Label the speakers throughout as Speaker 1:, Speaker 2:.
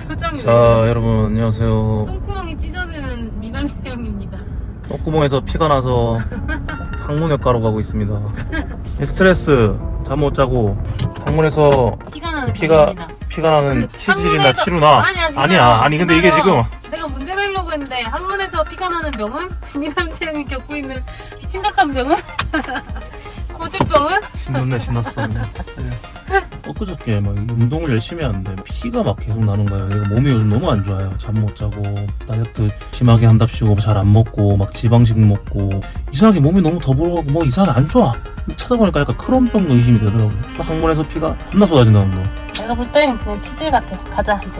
Speaker 1: 표정이
Speaker 2: 자 여러분 안녕하세요.
Speaker 1: 똥구멍이 찢어지는 미남세형입니다.
Speaker 2: 똥구멍에서 피가 나서 항문외과로 가고 있습니다. 스트레스 잠 못 자고 항문에서
Speaker 1: 피가 나는
Speaker 2: 피가
Speaker 1: 병입니다.
Speaker 2: 나는 치질이나
Speaker 1: 항문에서-
Speaker 2: 치루나
Speaker 1: 아니야
Speaker 2: 아니 근데 이게 지금
Speaker 1: 내가 문제 내려고 했는데 항문에서 피가 나는 병은 미남세형이 겪고 있는 심각한 병은 고질병은
Speaker 2: 신났어. 엊그저께 막 운동을 열심히 하는데 피가 막 계속 나는 거예요. 얘가 몸이 요즘 너무 안 좋아요. 잠 못 자고 다이어트 심하게 한답시고 잘 안 먹고 막 지방식 먹고 이상하게 몸이 너무 더부러가고 뭐 이상하게 안 좋아. 찾아보니까 약간 크론병 의심이 되더라고. 항문에서 피가 겁나 쏟아진다는 거.
Speaker 1: 내가 볼 땐 그냥 치질 같아. 가자 이제.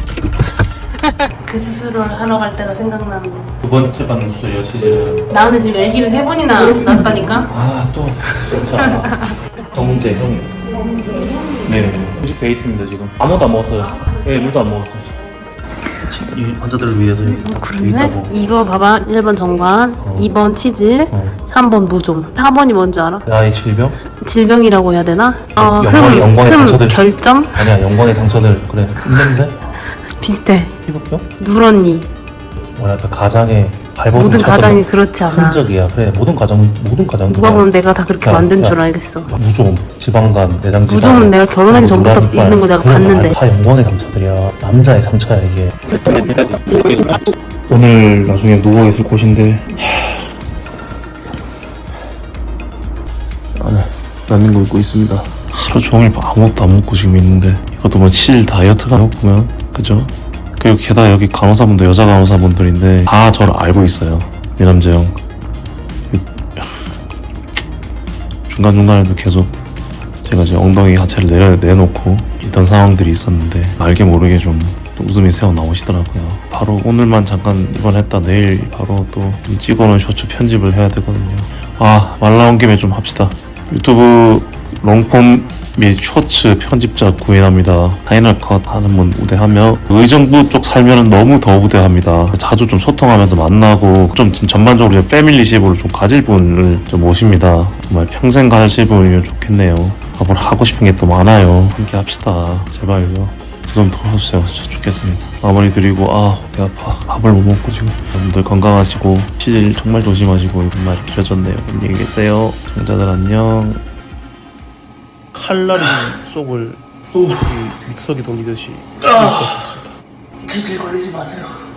Speaker 1: 그 수술을 하러 갈 때가 생각나는 거.
Speaker 2: 두 번째 받는 수술이요 치질.
Speaker 1: 나는 지금 애기를 3번이나 낳았다니까.
Speaker 2: 아 또 진짜 정문재 형이. 네, 음식 돼 있습니다 지금. 아무도 안 먹었어요. 예, 물도 안 먹었어요. 이 환자들을 위해서 여기 돼
Speaker 1: 그러네?
Speaker 2: 있다고.
Speaker 1: 이거 봐봐. 1번 정관, 2번 치질, 3번 무좀. 4번이 뭔지 알아?
Speaker 2: 나의 질병?
Speaker 1: 질병이라고 해야 되나?
Speaker 2: 영광의 상처들.
Speaker 1: 결점?
Speaker 2: 아니야 영광의 상처들. 그래 냄새?
Speaker 1: 비슷해.
Speaker 2: 피부병?
Speaker 1: 누런니.
Speaker 2: 뭐랄까 가장의 발버둥
Speaker 1: 모든
Speaker 2: 쳤던
Speaker 1: 가장이 그렇지 않아.
Speaker 2: 흔적이야. 그래 모든 가장
Speaker 1: 누가 보면 내가 다 그렇게
Speaker 2: 야,
Speaker 1: 만든
Speaker 2: 야.
Speaker 1: 줄 알겠어.
Speaker 2: 무좀, 지방간, 내장지방.
Speaker 1: 무좀은 내가 결혼하기 전부터 있는 거 내가 봤는데.
Speaker 2: 다 영광의 상처들이야. 남자의 상처야 이게. 오늘 나중에 누워 있을 곳인데 안에 라면고 입고 있습니다. 하루 종일 아무것도 안 먹고 지금 있는데 이것도 뭐 치질 다이어트가 보면 그죠? 그리고 게다가 여기 간호사분들 여자 간호사분들인데 다 저를 알고 있어요. 미남재 형 중간중간에도 계속 제가 이제 엉덩이 하체를 내놓고 있던 상황들이 있었는데 알게 모르게 좀 웃음이 새어 나오시더라고요. 바로 오늘만 잠깐 입원했다 내일 바로 또 찍어놓은 쇼츠 편집을 해야 되거든요. 말 나온 김에 좀 합시다. 유튜브 롱폼 및 쇼츠 편집자 구인합니다. 파이널컷 하는 분 우대하며 의정부 쪽 살면은 너무 더 우대합니다. 자주 좀 소통하면서 만나고 좀 전반적으로 패밀리십으로 좀 가질 분을 좀 모십니다. 정말 평생 가실 분이면 좋겠네요. 뭘 하고 싶은 게 또 많아요. 함께 합시다. 제발요. 저 좀 도와주세요. 진짜 죽겠습니다. 마무리 드리고 배 아파. 밥을 못 먹고 지금. 여러분들 건강하시고 치질 정말 조심하시고 이런 말이 길어졌네요. 안녕히 계세요. 청자들 안녕. 칼날인 속을 믹서기 돌리듯이 치질 걸리지 마세요.